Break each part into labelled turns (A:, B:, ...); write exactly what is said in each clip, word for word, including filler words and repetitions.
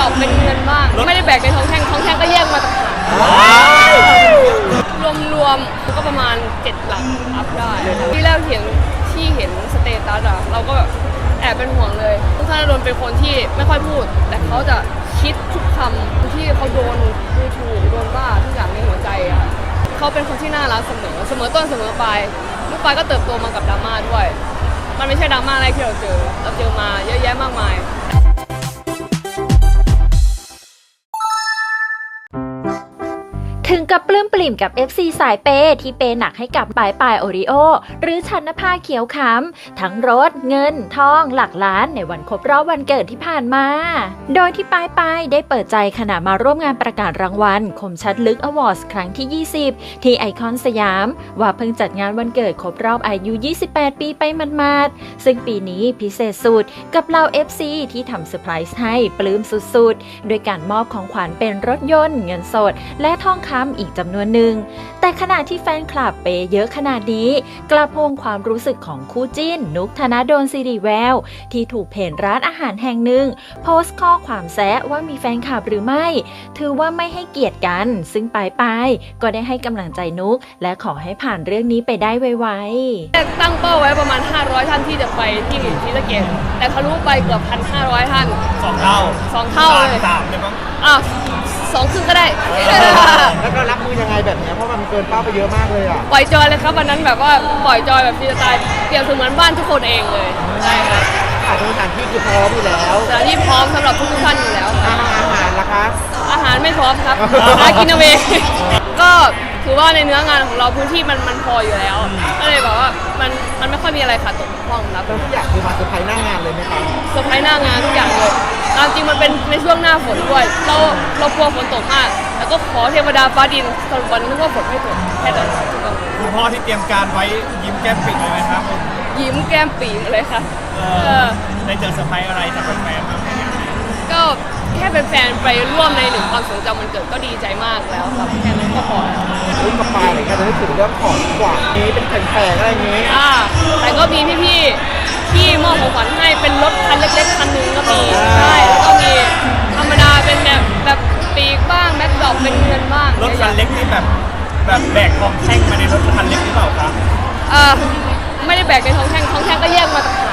A: อกเป็นเงินบ้างไม่ได้แบกในท้องแท่งท้องแท่งก็แยกมาต่างหากรวมๆก็ประมาณเจ็ดหลักอัพได้ที่แรกเห็นที่เห็นสเตตัสอะเราก็แบบแอบเป็นห่วงเลยทุกท่านโดนเป็นคนที่ไม่ค่อยพูดแต่เขาจะคิดทุกคำที่เขาโดนดูถูกโดนบ้าทุกอย่างในหัวใจอะเขาเป็นคนที่น่ารักเสมอเสมอต้นเสมอปลายลูกปลายก็เติบโตมากับดราม่าด้วยมันไม่ใช่ดราม่าอะไรที่เราเจอเราเจอมาเยอะแยะมากมาย
B: ถึงกับปลื้มปลิ่มกับ เอฟ ซี สายเปย์ที่เปย์หนักให้กับปายปายโอริโอหรือชันนภาเขียวขำทั้งรถเงินทองหลักล้านในวันครบรอบวันเกิดที่ผ่านมาโดยที่ปายปายได้เปิดใจขณะมาร่วมงานประกาศรางวัลคมชัดลึกอวอร์ดครั้งที่ยี่สิบที่ไอคอนสยามว่าเพิ่งจัดงานวันเกิดครบรอบอายุยี่สิบแปดปีไปมาดๆซึ่งปีนี้พิเศษสุดกับเหล่า เอฟ ซี ที่ทำเซอร์ไพรส์ให้ปลื้มสุดๆโดยการมอบของขวัญเป็นรถยนต์เงินสดและทองคำอีกจำนวนหนึ่งแต่ขณะที่แฟนคลับเปย์เยอะขนาดนี้กระพงความรู้สึกของคู่จิ้นนุกธนดลสิริแววที่ถูกเพจร้านอาหารแห่งหนึ่งโพสต์ข้อความแซะว่ามีแฟนคลับหรือไม่ถือว่าไม่ให้เกียรติกันซึ่งปายปายก็ได้ให้กำลังใจนุกและขอให้ผ่านเรื่องนี้ไปได้ไวๆ
A: ตั้งเป้าไว้ประมาณห้าร้อยท่านที่จะไปที่ศรีสะเกษแต่ทะลุไปเกือบ หนึ่งพันห้าร้อย ท่าน
C: สองเท่า
A: สองเท่าเลย
C: สามเลยมั้ง
A: อ่ะสองครึ่งก็ได้
D: แล้วก็รับมือยังไงแบบนี้เพราะมันเกินเป้าไปเยอะมากเลยอ่ะ
A: ปล่อยจอยเลยครับวันนั้นแบบว่าปล่อยจอยแบบฟรีสไตล์เปรียบเสมือนบ้านทุกคนเองเลยใช่ครับ
D: อาสถานที่คือพร้อมอยู่แล้ว
A: สถานที่พร้อมสำหรับทุกท่านอยู่แล้ว
D: อาหารล่ะคะ
A: อาหารไม่พร้อมครับหากินเอาเองก็ถือว่าในเนื้องานของเราพื้นที่มันมันพออยู่แล้วก็เลยแบบว่ามันมันไม่ค่อยมีอะไรขาดตกบกพร่องครับ
D: ทุกอย่างคือมาเซอร์ไพรส์หน้างานเลยไหมครับ
A: เซอร์ไพรส์หน้างานทุกอย่างเลยตามจริงมันเป็นในช่วงหน้าฝนด้วยเราเรากลัวฝนตกมากแล้วก็ขอเทวดาฟ้าดินสรุปวันนึกว่าฝนไม่ตกแค่นั้น
C: คุณพ่อที่เตรียมการไว้ยิ้มแก้มปิดเลยไหมครับ
A: ยิ้มแก้มปีเลยค่ะ
C: ได้เจอเซอร์ไพรส์อะไรจากแฟนๆบ้าง
A: ก็แค่เป็นแฟนไปร่วมในหนึ่งความทรงจำมันเกิดก็ดีใจมากแล้วครับแค่นั้นก็พอ
D: รู้กับปายเลยค่ะจะได้ถึงเรื่องของกว่านี้เป็นแฟนๆอะไรอย่างนี้
A: อ่าแต่ก็มีพี่ๆที่มอบของขวัญให้เป็นรถคันเล็กๆคันนึงก็มีใช่แล้วก็มีธรรมดาเป็นแบบแบบปีกบ้างแม็กดอกเป็นเงินบ้าง
C: รถคันเล็กนี่แบบแบบแบกทองแท่งมาในรถคันเล็กหรือเปล่าครับ
A: อ่าไม่ได้แบกในท้องแท่งท้องแท่งก็แยกมาต่างหาก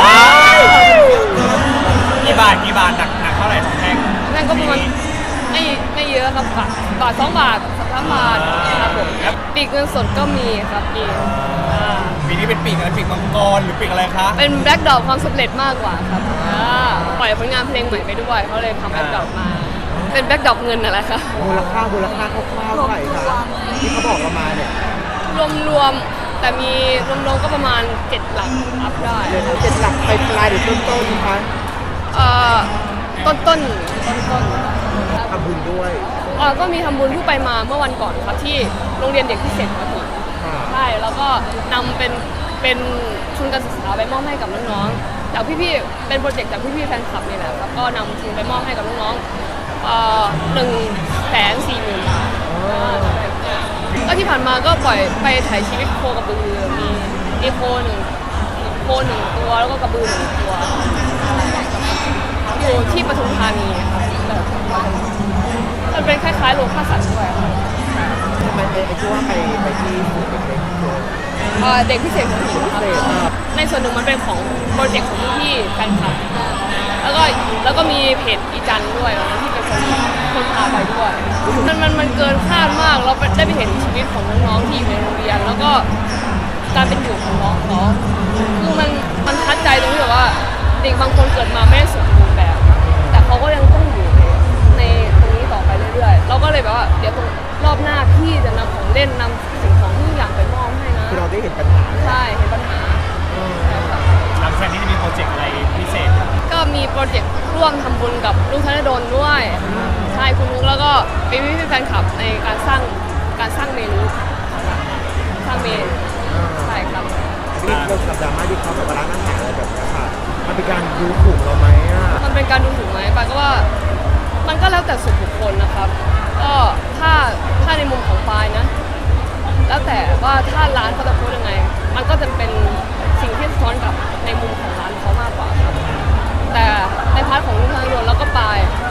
C: กี่บาทกี่บาทหนักหนักเท่าไหร่ทองแท่ง
A: นั่นก็ประมาณไม่ไม่เยอะครับบาทบาทสองบาทสามบาทครับผมปีกเงินสดก็มีครับปี
C: ปีนี้เป็นปีกอะไรปีกมังกรหรือปีกอะไรคะ
A: เป็นแบล็คดอกความสำเร็จมากกว่าครับปล่อยผลงานเพลงใหม่ไปด้วยเขาเลยทำแบล็คดอกมาเป็นแบล็คดอกเงินอะไรคะ
D: มูลค่ามูลค่าคร่าวๆเท่าไหร่คะที่เขาบอกเรามาเนี่ย
A: รวมๆแต่มีรวมๆก็ประมาณเจ็ดหลักอัพได้
D: เจ็ดหลักไปปลายหรือต้นต้นคะ
A: เอ่อต้นต้นต้นต้น
D: ทำบุญด้วย
A: อ๋อก็มีทำบุญที่ไปมาเมื่อวันก่อนครับที่โรงเรียนเด็กพิเศษมาถึงใช่แล้วก็นำเป็นเป็นทุนการศึกษาไปมอบให้กับน้องๆจากพี่ๆเป็นโปรเจกต์จากพี่ๆแฟนคลับนี่แหละครับก็นำทุนไปมอบให้กับน้องๆเอ่อหนึ่งแสนสี่หมื่นบาทก็ที่ผ่านมาก็ปล่อยไปถ่ายชีวิตโคกระบือมีมีโคหนึ่งโคหนึ่งตัวแล้วก็กระบือหนึ่งตัวอยู่ที่ปทุมธานีครับมันเป็นคล้ายๆโรงฆ่าสัตว์ด้วย
D: ทำไมไอ้ที่ว่าไปไปที่
A: เด็กพิเศษของหญิงครับในส่วนหนึ่งมันเป็นของโปรเจกต์ของพี่แฟนคลับแล้วก็แล้วก็มีเพจอีจันด้วยที่เป็นคนคนพาไปด้วยมันมันมันเกินคาดมากเราได้ไปเห็นชีวิตของน้องๆที่อยู่ในโรงเรียนแล้วก็การเป็นอยู่ของน้องเขาคือมันมันทัดใจตรงที่แบบว่าเด็กบางคนเกิดมาไม่สมบูรณ์แบบแต่เขาก็ยังต้องอยู่ในตรงนี้ต่อไปเรื่อยๆเราก็เลยแบบว่าเดี๋ยวตรงรอบหน้าพี่จะนำของเล่นนำสิ่งของทุกอย่างไปมอบให้นะ
D: คือเราได้เห็นปัญหา
A: ใช่เห็นปัญหา
C: หลังจากนี้จะมีโปรเจกต์อะไรพิเศษ
A: ก็มีโปรเจกต์ร่วมทำบุญกับลูกธนดลด้วยใช่คุณนุ๊กแล้วก็เป็นพี่ๆแฟนคลับในการสร้างการสร้างเมนูสร้างเมนูใช่ครับ
D: นี่เรากับดราม่าที่เขาแบบร้านอาหารอะไรแบบนี้ค่ะมันเป็นการดูถูกเราไหมอ่ะ
A: มันเป็นการดูถูกไหมปายก็ว่ามันก็แล้วแต่ส่วนบุคคลนะครับก็ถ้าถ้าในมุมของปายนะแล้วแต่ว่าถ้าร้านเขาจะพูดยังไงมันก็จะเป็นสิ่งที่สะท้อนกับในมุมของร้านเขามากกว่าครับแต่ในพาร์ทของลูกค้าโดนแล้วก็ปาย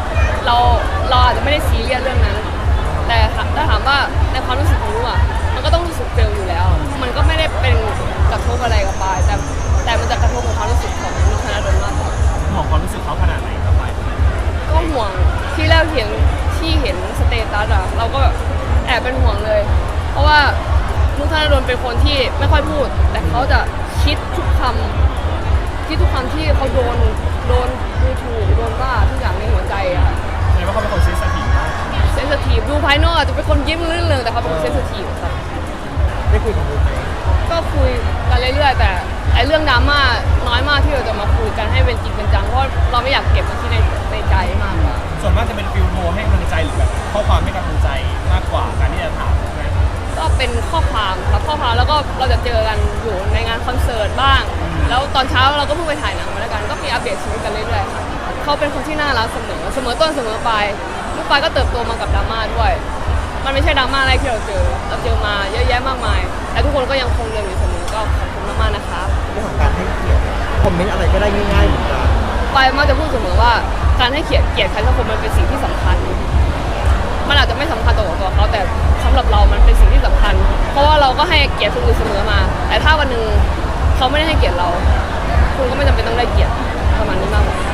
A: เราเราอาจจะไม่ได้ซีเรียสเรื่องนั้น แต่ถ้าถามว่าในความรู้สึกของลูกอ่ะมันก็ต้องรู้สึกเฟลอยู่แล้ว มันก็ไม่ได้เป็นกระทบอะไรกับปายแต่แต่มันจะกระทบกับความรู้สึกของนุชนาดลมากกว่า
C: ห่วงความรู้สึกเขาขนาดไหนครับไป
A: ก็ห่วงที่แรกเห็นที่เห็นสเตตัสอะเราก็แบบแอบเป็นห่วงเลย เพราะว่านุชนาดลเป็นคนที่ไม่ค่อยพูด แต่เขาจะคิดทุกคำคิดทุกคำที่เขาโดนโดนดูถูกโดนว่าทุกอย่างในหัวใจอะค่ะ
C: แสดงว่าเขาเป็นคนเซนซิทีฟมาก
A: เซนซิทีฟดูภายนอกอาจจะเป็นคนยิ้มลื่นเริงแต่เขาเป็นคนเซนซิทีฟครับ
D: ได้คุยกับลูกไหม
A: ก็คุยกันเรื่อยๆแต่ไอ้เรื่องดราม่าน้อยมากที่เราจะมาคุยกันให้เป็นจริงเป็นจังเพราะเราไม่อยากเก็บมันที่ในในใจมากกว่า
C: ส่วนมากจะเป็นฟิลโทรให้กำลังใจหรือแบบข้อความให้กำลังใจมากกว่าการที่จะถามใช่ไหม
A: ก็เป็นข้อความครับข้อความแล้วก็เราจะเจอกันอยู่ในงานคอนเสิร์ตบ้าง แล้วตอนเช้าเราก็เพิ่งไปถ่ายหนังมาแล้วกันก็มีอัปเดตชีวิตกันเรื่อยๆค่ะเขาเป็นคนที่น่ารักเสมอเสมอต้นเสมอปลายลูกปลายก็เติบโตมากับดราม่าด้วย มันไม่ใช่ดราม่าอะไรที่เราเจอเราเจอมาเยอะแยะมากมายแต่ทุกคนก็ยังคงเรียนอยู่เสมอก็ขอบคุณมากๆนะครับ
D: เรื่องของการให้เกียรติคอมเมนต์อะไรก็ได้ง่ายๆเหมือนกัน
A: ปายมักจะพูดเสมอว่าการให้เกียรติเกียรติใครสักคนมันเป็นสิ่งที่สำคัญ มันอาจจะไม่สำคัญต่อตัวเขาแต่สำหรับเรามันเป็นสิ่งที่สำคัญ เพราะว่าเราก็ให้เกียรติคนอื่นเสมอมา แต่ถ้าวันหนึ่งเขาไม่ได้ให้เกียรติเรา คุณก็ไม่จำเป็นต้องได้เกียรติประมาณนี้มากกว่า